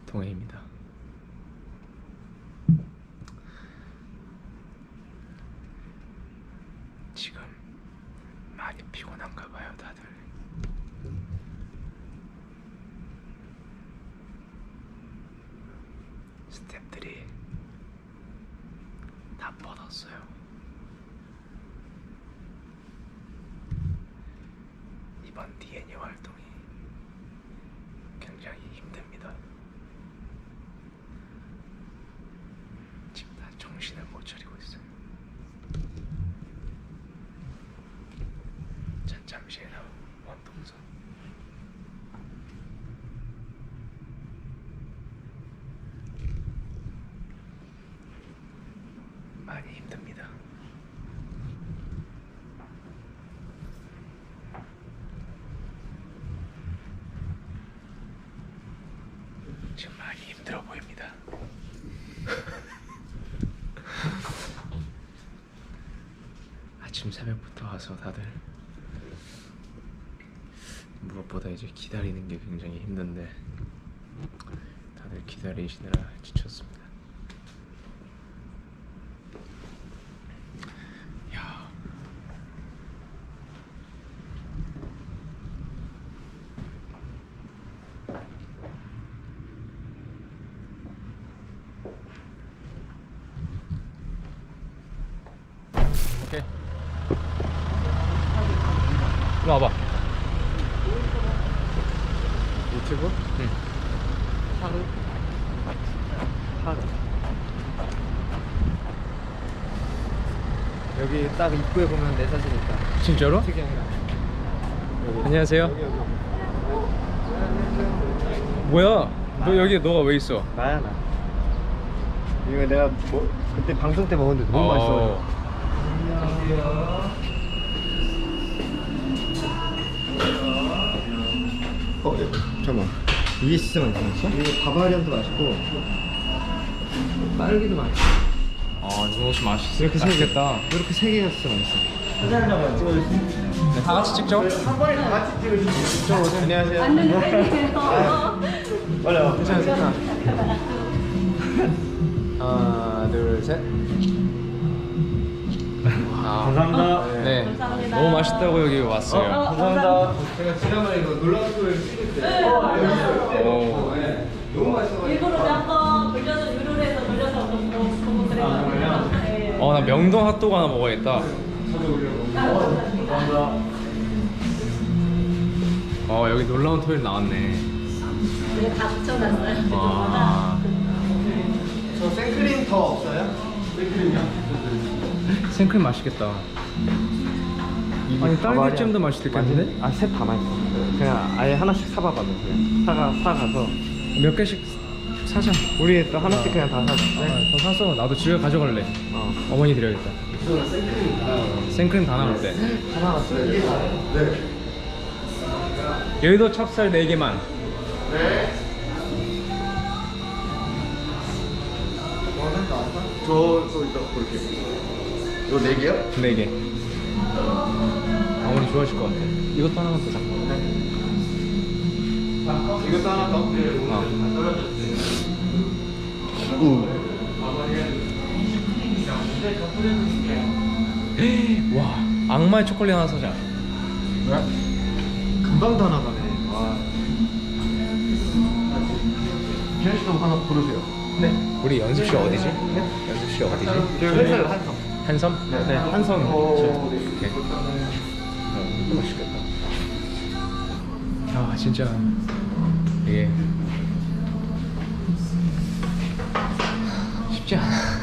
동해입니다. 지금 많이 피곤한가 봐요, 다들. 스태프들이 다 뻗었어요. 이번 DNA 활동이 굉장히 힘듭니다. 지금 다 정신을 못 차리고 있어요. 전 잠시 후에 나올 원동선. 많이 힘듭니다. 지금 많이 힘들어 보입니다. 아침 새벽부터 와서 다들 무엇보다 이제 기다리는 게 굉장히 힘든데 다들 기다리시느라 지쳤습니다. 야. 오케이. 일로 와봐. 유튜브? 응. 하루? 하루. 여기 딱 입구에 보면 내 사진 있다. 진짜로? 특이한가? 여기. 안녕하세요. 여기. 뭐야? 너 여기 너가 왜 있어? 나야 나. 이거 내가 뭐 그때 방송 때 먹었는데 너무 맛있어. 잠깐만. 이게 진짜 맛있어? 이거 바바리안도 맛있고 딸기도 맛있어. 이거 혹시 맛있어? 이렇게 세 개겠다. 이렇게 세 개가 진짜 맛있어. 사진 한 장만 찍어줄 수 있어? 네, 다 같이 찍죠? 한 번에 다 같이 찍을 수 있어. 안녕하세요. 빨리 와. 괜찮아. 하나, 둘, 셋. 감사합니다. 네. 감사합니다. 너무 맛있다고 여기 왔어요. 감사합니다. 제가 지난번에 이거 놀라운 소리를 찍을 때 오. 너무 맛있어가지고. 일부러 한번 돌려서 유료로 해서 돌려서 보고 그래요. 네. 나 명동 핫도그 하나 먹어야겠다. 감사합니다. 여기 놀라운 토요일 나왔네. 이거 다 붙여놨어요. 와. 저 생크림 더 없어요? 생크림이요? 생크림 맛있겠다. 아니 딸기잼도 맛있을 텐데? 아, 셋 다 맛있어. 그냥 아예 하나씩 사봐봐. 그냥 사가서 몇 개씩 사자. 우리 또 하나씩 그냥 다 사자. 더 사서 나도 집에 가져갈래. 어머니 드려야겠다. 생크림 다 나올 때. 하나 왔어요. 네. 여의도 찹쌀 4개만. 네. 저 이따 볼게요. 이거 4개요? 4개. 어머니 좋아하실 것 같아. 이것도 하나만 더 사. 이것도 하나 더? 와, 악마의 초콜릿 하나 사자. 왜? 금방 다 나가네. 와. 기현 씨도 하나 고르세요. 네. 우리 연습실 어디지? 네? 연습실 어디지? 회사요, 한성. 한섬? 네, 한섬. 네. 오케이. 이거 맛있겠다. 아, 진짜 이게 쉽지 않아.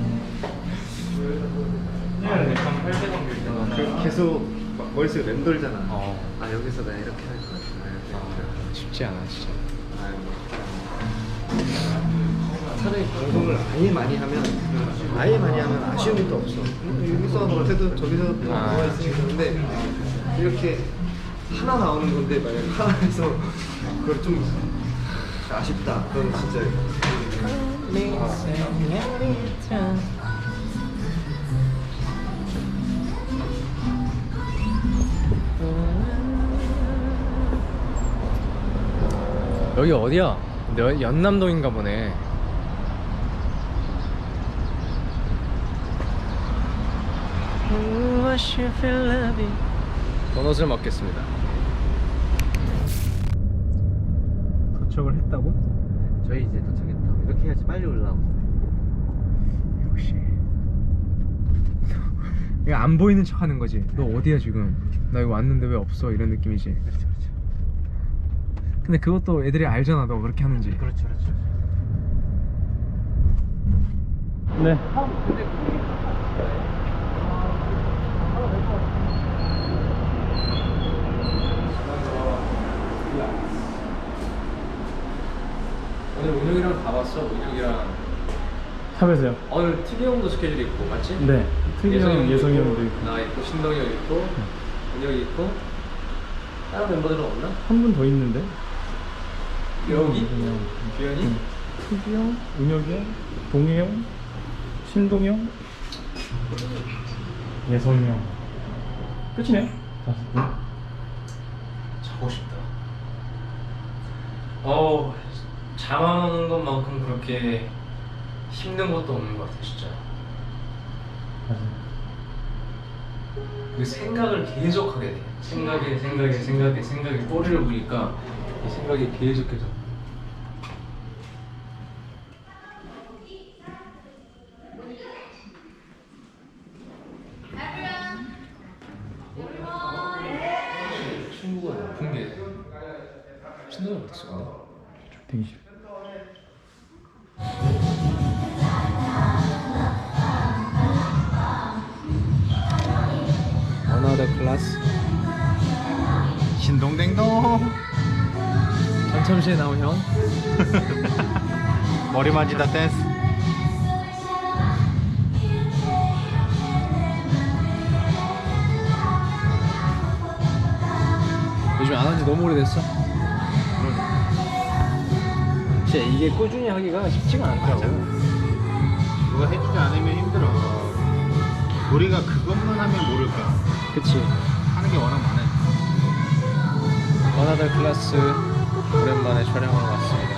계속 머릿속에 맴돌잖아. 어. 아, 여기서 내가 이렇게 할 거야. 쉽지 않아, 진짜. 차라리 방송을 아예 많이 하면 아쉬움이 또 없어. 여기서 못해도 저기서 뭐가 있으니까. 근데 이렇게 하나 나오는 건데 만약 하나에서 그걸 좀 아쉽다. 그럼 진짜 여기 어디야? 연남동인가 보네. 도넛을 먹겠습니다. 도착을 했다고? 저희 이제 도착했다. 이렇게 해야지 빨리 올라오고. 역시. 이거 안 보이는 척 하는 거지. 너 어디야 지금? 나 여기 왔는데 왜 없어? 이런 느낌이지. 그렇죠. 근데 그것도 애들이 알잖아, 너 그렇게 하는지. 그렇죠. 네. 오늘 운영이랑 다 봤어. 운영이랑 샵에서요? 오늘 특이 형도 스케줄이 있고 맞지? 네. 특이형, 예성이 형도 있고. 나 있고 신동이 형 있고 운영이 있고 다른 멤버들은 없나? 한 분 더 있는데? 여기? 그냥 규현이? 특이형, 은혁이 형, 동희 형, 신동이 형, 예성이 형. 끝이네요. 5분. 자고 싶다. 잠 안 오는 것만큼 그렇게 힘든 것도 없는 것 같아 진짜. 맞아요. 그 생각을 계속 하게 돼. 생각에 꼬리를 부니까 이 생각이 계속해서. 친구가 높은 게 신동이 어땠어 근데? 되게 싫어. Another class. 신동댕동. 전참시에 나온 형. 머리 만지다 댄스. 요즘 안 한 지 너무 오래됐어. 진짜 이게 꾸준히 하기가 쉽지가 않더라고. 누가 해주지 않으면 힘들어. 우리가 그것만 하면 모를까. 그치. 하는 게 워낙 많아요. Another class 오랜만에 촬영하러 왔습니다.